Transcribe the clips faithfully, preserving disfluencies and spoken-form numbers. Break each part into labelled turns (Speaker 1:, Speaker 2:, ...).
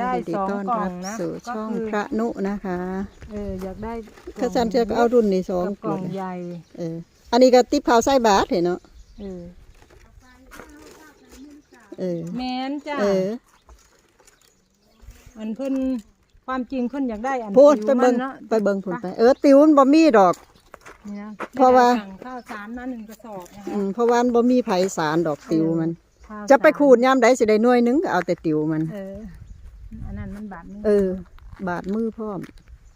Speaker 1: ได้สองกล่องนะ
Speaker 2: สู่ช่องพระนุนะคะ
Speaker 1: เอออยากได้
Speaker 2: ถ้าฉันเชื่อก็เอารุ่นนี้สอง
Speaker 1: กล่องใหญ่
Speaker 2: เอออันนี้ก็ติ๊บข้าวไส้บาทเห็นเนาะ
Speaker 1: เออ
Speaker 2: เออ
Speaker 1: แม่นจ้ะ
Speaker 2: เออ
Speaker 1: อันเพิ่นความจริงเพิ่นอยากได้อัน
Speaker 2: พูดไป
Speaker 1: ติว
Speaker 2: เบิ่
Speaker 1: มั
Speaker 2: ง
Speaker 1: นเนาะ
Speaker 2: ไปเบิ่งผลไปเออติวมันบ่มีดอก
Speaker 1: นี่นะ
Speaker 2: เพราะว่า
Speaker 1: สั่งข้าวสารมาหนึ่งกระสอบนะคะ
Speaker 2: อืมเพราะว่ามันบ่มีไผสารดอกติวมัน
Speaker 1: ข้าว
Speaker 2: จะไปขูดยามใดสิได้หน่วยนึงก็เอาแต่ติวมัน
Speaker 1: เอออันนั้นมันบาทนึง
Speaker 2: เออบาดมือพร้อม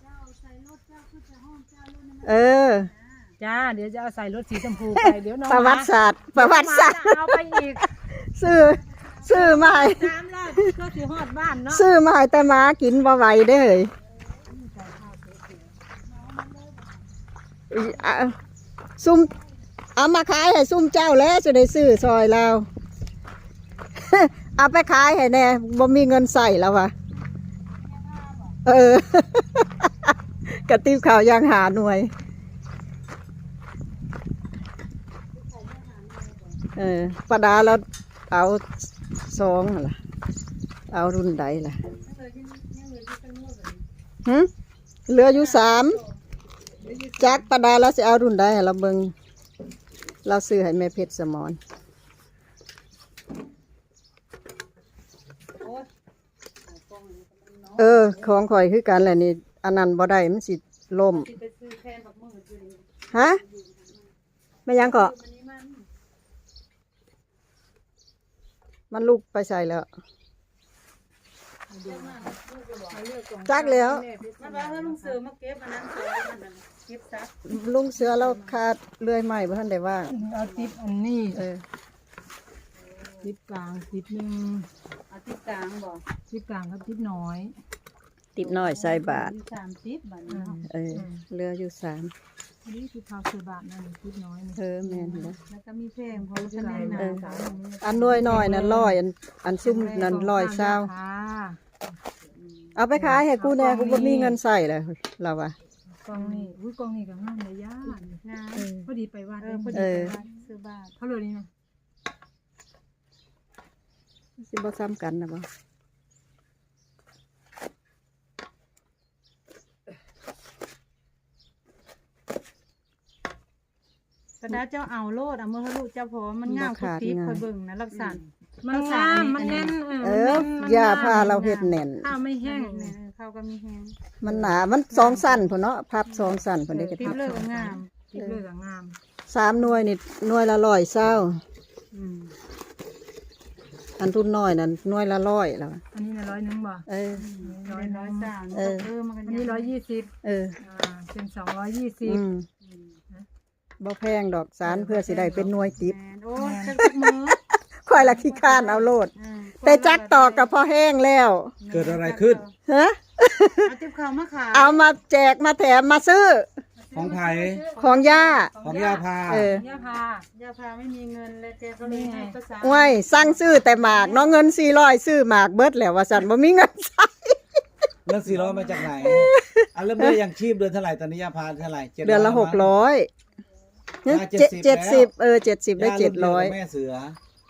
Speaker 2: เออ
Speaker 1: จ้าเดี๋ยวจะเอาใส่รถสีชมพูไปเดี๋ยวน้อง
Speaker 2: ประวัติศาสตร์ประวัติศาสตร์
Speaker 1: เอาไปอีก
Speaker 2: ซื้อซื้อมาให้
Speaker 1: สามรอบก็สิฮอดบ้านเนาะ
Speaker 2: ซื้อมาให้แต่หมากินบ่ไหวเด้อเฮ้ยอ่ะซุ่มเอามาขายให้ซุ่มเจ้าแล้วจะได้ซื้อซอยเรา เอาไปขายให้แน่บ่มีเงินใส่แล้ววะเออกระติบข่าวยังหาหน่วยเออประดาแล้วเอาสองล่ะเอารุ่นใดล่ะหึเหลืออยู่สามจักประดาแล้วจะเอารุ่นใดเราเบิ่งเราซื้อให้แม่เพชรสมรเออของข่อยคือกันแหละนี่อันนั้นบ่ได้มันสิล่มฮะไม่ยังเกาะมันลูกไปใส่แล้วจักแล้วลุงเสือเราขาดเลื่อยใหม่บ่ทันได้ว่า
Speaker 1: เอาติ๊บอันนี้
Speaker 2: เออ
Speaker 1: ติ๊บกลางติ๊บหนึ่ง
Speaker 3: เอาติ๊บกลางบ่
Speaker 1: ติ๊บกลางกับติ๊บน้อย
Speaker 2: ติ๊บน้อยใส่บาท
Speaker 3: สามติ๊บบาทเนาะ
Speaker 2: เออเหลืออยู่สาม
Speaker 1: อันนี้คือข้าวเสือบาทนั่นติ๊บน้อย
Speaker 2: เออแม่นเด้อ
Speaker 3: แล้วก็มีเพลงพอจะได้นะ
Speaker 2: อันน้อยน้อยนั่นร้อยอันอันซุ่มนั่นร้อยเศร้าเอาไปขายให้กูแน่กูบ่มีเงินใส่เลยเราว่ะ
Speaker 1: กองนี่อุ้ยกองนี่ก็งามเลยย่างามพอดีไปวัด
Speaker 3: พอดีไปวัดซื้อบาท
Speaker 1: เขาเลยนี่นะ
Speaker 2: สิบ่ซ้ำกันนะบ่
Speaker 3: กระดาษเจ้าเอาโลดเอาเมื่อลูกเจ้าพอมันงามคุกทิพย์คอยเบิ่งนะรักษา
Speaker 1: มันงามมันแน่น
Speaker 2: เออย่าพาเราเฮ็ดแน่น
Speaker 3: ข้าวไม่แห้งข้าวก็มีแห้ง
Speaker 2: มันหนามันสองสั้นพุ่นเนาะพับสองสั้นพุ่นได้ก็
Speaker 3: ทิพย์เลิกงาม
Speaker 1: ทิพย์เลิกงาม
Speaker 2: สามหน่วยนี่หน่วยละร้อยเศร้าอันทุนน้อยนั่นหน่วยละร้อยแล้ว
Speaker 1: อันนี้นะร้อยนึงบ่
Speaker 2: เออ
Speaker 3: ร้อยร้อยสามเออ
Speaker 1: อันนี้ร้อยยี่สิบ
Speaker 2: เออ
Speaker 1: เป็นสองร้อยยี่สิบ
Speaker 2: บ่แพงดอกสารเพื่อสิได้เป็นหน่วยติ๊บ
Speaker 3: โอ้จักมือ
Speaker 2: ค่อยละขี้ข้านเอาโลดแต่จักตอกกับพอแห้งแล้ว
Speaker 4: เกิดอะไรขึ้น
Speaker 2: ฮะ
Speaker 3: เอาติ๊บข้าวมาขาย
Speaker 2: เอามาแจกมาแถมมาซื้อ
Speaker 4: ของไผ่
Speaker 2: ของย่า
Speaker 4: ของย่าพา
Speaker 2: เออย่
Speaker 1: าพา
Speaker 3: ย่าพาไม่มีเงินเลยแกก็เลยให้ภาษา
Speaker 2: ว้ยสั่งซื้อแต่หมากเนาะเงินสี่ร้อยซื้อหมากเบิดแล้วว่าซั่นบ่มีเงินใช้
Speaker 4: เงินสี่ร้อยมาจากไหนอันเริ่มเบี้ยยังชีพเดือนเท่าไหร่ตอนนี้ย่าพาเท่าไหร่
Speaker 2: เดือนละหกร้อยเจ็ดสิบเออเจ็ดสิบได้เจ็ดร้อย
Speaker 4: แม่เสือ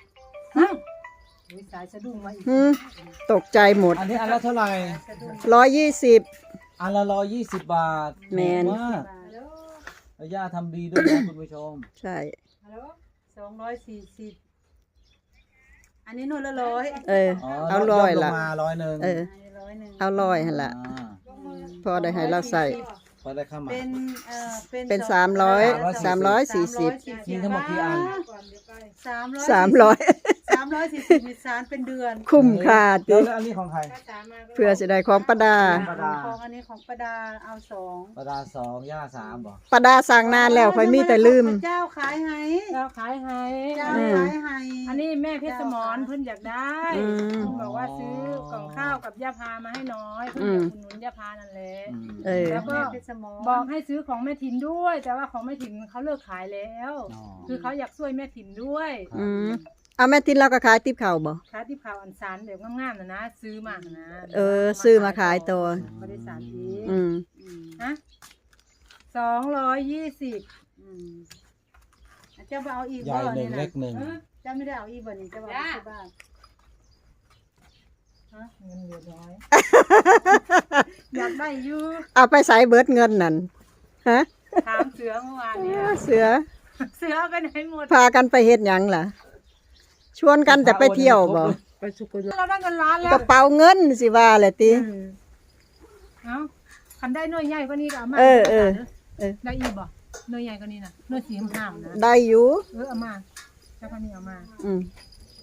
Speaker 1: สายสะดุ้งมาอีก
Speaker 2: ตกใจหมด
Speaker 4: อันนี้อันละเท่าไหร่
Speaker 2: ร้อยยี่สิบ
Speaker 4: อันละร้อยยี่สิบบาท
Speaker 2: แมน
Speaker 4: มากย่าทำดีด้วยนะคุณผู้ชม
Speaker 2: ใช่
Speaker 3: สองร้อยสี่สิบอันนี้หน่วยละร้อย
Speaker 2: เออเอาร้อยละ
Speaker 4: มาร้อยหนึ่ง
Speaker 2: เออเอาร้อยหั่นละพอได้ให้เราใส่
Speaker 4: พอได้เข้ามา
Speaker 3: เป็นเอ่อ
Speaker 2: เป็นสามร้อยสามร้อยสี่สิบ
Speaker 4: มีทั้งหมดกี่อัน
Speaker 3: สามร้อย
Speaker 2: สามร้อย
Speaker 3: สามร้อยสี่สิบมีสารเป็นเดือน
Speaker 2: คุ้มค่า
Speaker 4: ดิแล้วอันนี้ของใคร
Speaker 2: เพื่อจะได้ของประดา
Speaker 3: ของอันนี้ของประดาเอาสอง
Speaker 4: ประดาสองย่าสามบ่
Speaker 2: ประดาสั่งนานแล้วค่อยมีแต่ลืม
Speaker 3: เจ้าขายให้
Speaker 1: เจ้าขายให้
Speaker 3: เจ้าขายให้
Speaker 1: อันนี้แม่เพชรสมรเพิ่นอยากได้เพิ่นบอกว่าซื้อกล่องข้าวกับย่าพามาให้น้อยเพิ่นจะอุดหนุนย่าพานั่นแหละแล้วก็บอกให้ซื้อของแม่ถิ่นด้วยแต่ว่าของแม่ถิ่นเขาเลิกขายแล้วคือเขาอยากช่วยแม่ถิ่นด้วย
Speaker 2: อืมเอาแม่ถิ่นเราก็ขายติ๊บข้าวบ่
Speaker 1: ขายติ๊บข้าวอันสารแบบงามๆนะนะซื้อมานะ
Speaker 2: เออซื้อมาขายตัว
Speaker 1: บริษัทอีก
Speaker 2: อืม
Speaker 1: ฮะสองร้อยยี่สิบ
Speaker 3: เจ้าเอาอีก
Speaker 4: บ่เนี่ยนะเล็กหนึ่ง
Speaker 3: เจ้าไม่ได้เอาอีกบ่นี่เจ้าเอาที่บ้าน
Speaker 1: ฮะเงินเหลือน้อย อยากได้อยู่
Speaker 2: เอาไปใส่เบิดเงินนั่นฮะ
Speaker 1: ถามเสือเมื่อวานเนี่ย
Speaker 2: เสือ
Speaker 1: เสือเอาไปไหนหมด
Speaker 2: พากันไปเฮ็ดหยังล่ะ ชวนกันแต่ไปเที่ยวบ่
Speaker 3: ไปสุกล
Speaker 1: เราได้เงินล้านแล้
Speaker 2: ก
Speaker 1: ว
Speaker 2: ระเป๋าเงินสิว่าแหละติ
Speaker 1: เอ้าคันได้หน่วยใหญ่กว่านี้ก็เอามา
Speaker 2: เออเออเออ
Speaker 1: ได้อีกบ่หน่วยใหญ่กว่านี้น่ะหน่วยสีห้ามๆนะ
Speaker 2: ได้อยู่
Speaker 1: เออเอามาแล้วคันนี้เอามา
Speaker 2: อืม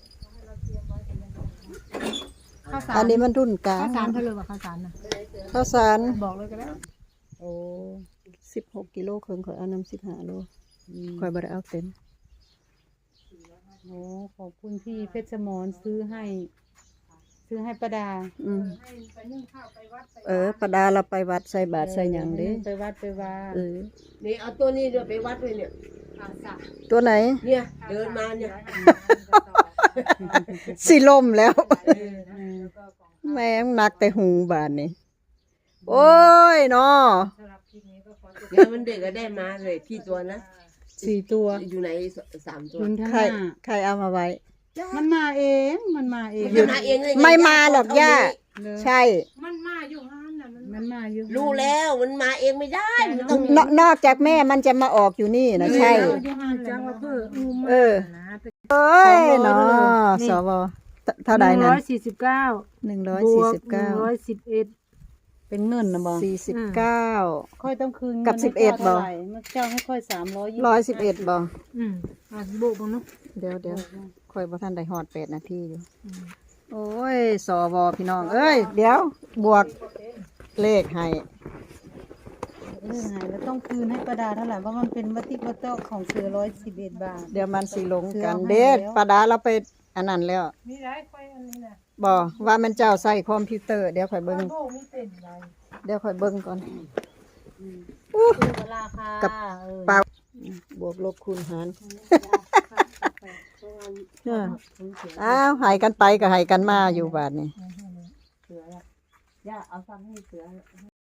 Speaker 1: ข้าวสาร
Speaker 2: อันนี้มันรุ่นกลาง
Speaker 1: ข้าวสารเท่าเลยว่าข้าวสารน่ะ
Speaker 2: ข้าวสาร
Speaker 1: บอกเลยก็ได้
Speaker 3: โอ้
Speaker 2: สิบหกกิโลครึ่งข่อยเอานำสิบห้าโลข่อยบ่ได้เอาเต็ม
Speaker 3: โหขอบคุณพี่เพชรสมรซื้อให้ ซื้อให้ประดา
Speaker 2: อืม
Speaker 1: ให้ไปนึ่งข้าวไปวัดไป
Speaker 2: เออประดาเราไปวัดใส่บาตรใส่หยังเด้
Speaker 3: ไปวัดไปวา
Speaker 2: เออ
Speaker 5: นี่เอาตัวนี้เดี๋ยวไปวัดเลยเนี่ย
Speaker 1: อาสา
Speaker 2: ตัวไหน
Speaker 5: เนี่ยเดินมาเนี่ย
Speaker 2: สิล่มแล้ว
Speaker 3: อืม
Speaker 2: แม่งหนักแต่หูบาดนี่โอ้ยเนาะ
Speaker 1: สำหรับคลิปนี้ก็ขอจบ
Speaker 5: เดี๋ยวมันเด็กก็ได้มาเลยกี่ตัวนะ
Speaker 3: สี่ตัว
Speaker 5: อยู่ไหนสามตัว
Speaker 3: คุณทั้ง
Speaker 2: ใคร
Speaker 3: ห้า
Speaker 2: ใครเอามาไว้
Speaker 3: มันมาเอง มันมาเอง
Speaker 5: มันจะมาเองเลย
Speaker 2: ไม่มาหรอกย่า
Speaker 3: เลย
Speaker 2: ใช่
Speaker 1: มันมาอยู่ห้านน่ะมัน
Speaker 3: มันมาอยู่
Speaker 5: รู้แล้วมันมาเองไม่ได้มันต้อง
Speaker 2: นนอกจากแม่มันจะมาออกอยู่นี่นะใช่
Speaker 1: อยู่ห้านจังว่าเพื่ออุ้ม
Speaker 2: เออ
Speaker 1: นะ
Speaker 2: เอ้ยเนาะสวเท่าใด
Speaker 1: หนึ่ง
Speaker 2: นั้
Speaker 1: ร้
Speaker 2: น
Speaker 1: อยสี่สิบเก้า
Speaker 2: หนึ่งร้อย
Speaker 1: บ
Speaker 2: สี่
Speaker 1: วก
Speaker 2: สิบ
Speaker 1: หนึ่
Speaker 2: เก้าง
Speaker 1: ร้อยสิบเอ็ด
Speaker 3: เป็นเงินนะบอ
Speaker 2: สี่สิบเก้า
Speaker 3: ค่อยต้องคืน
Speaker 2: กับ
Speaker 3: งิน
Speaker 2: สิบเอ็ด
Speaker 3: ให้ข้า
Speaker 2: บ่
Speaker 3: ท่าไหร่เมื่อเจ้าให้ค่อยสามร้อยยี่
Speaker 2: ร้อยสิบเอ็ดบ่
Speaker 1: อืมอ่ะโบกบังเนาะ
Speaker 2: เดี๋ยวเดี๋ยวค่อยบ่ทันได้ฮอดแปดนาทีอยู่ โอ้ยสวพี่น้อง เอ้ย เดี๋ยว บวกเลขให้
Speaker 3: เรื่องไงแล้วต้องคืนให้ประดาเท่าไหร่เพราะมันเป็นวัตถิวัตโตของเสือร้อยสิบเอ็ดบาท
Speaker 2: เดี๋ยวมันสิลงกัน
Speaker 3: เสือเอาให้
Speaker 2: เด็ด
Speaker 3: แล้ว
Speaker 2: ปาดาเราไปอันนั้นแล้ว
Speaker 1: มีหลายค่อยอันนี้น่ะ
Speaker 2: บ่ว่ามันเจ้าใส่คอมพิวเตอร์ เดี๋ยวค่อยเบิ่ง
Speaker 1: โบมีเต็มเลย
Speaker 2: เดี๋ยวค่อยเบิ่งก่อน
Speaker 3: คือเวลาค่ะ
Speaker 2: กับ
Speaker 3: เออ
Speaker 2: เปล่าบวกลบคูณหารเอออ้าวใหายกันไปก็ใหายกันมาอยู่บาดนี้
Speaker 5: เสือละย่าเอาฟังให้เสือ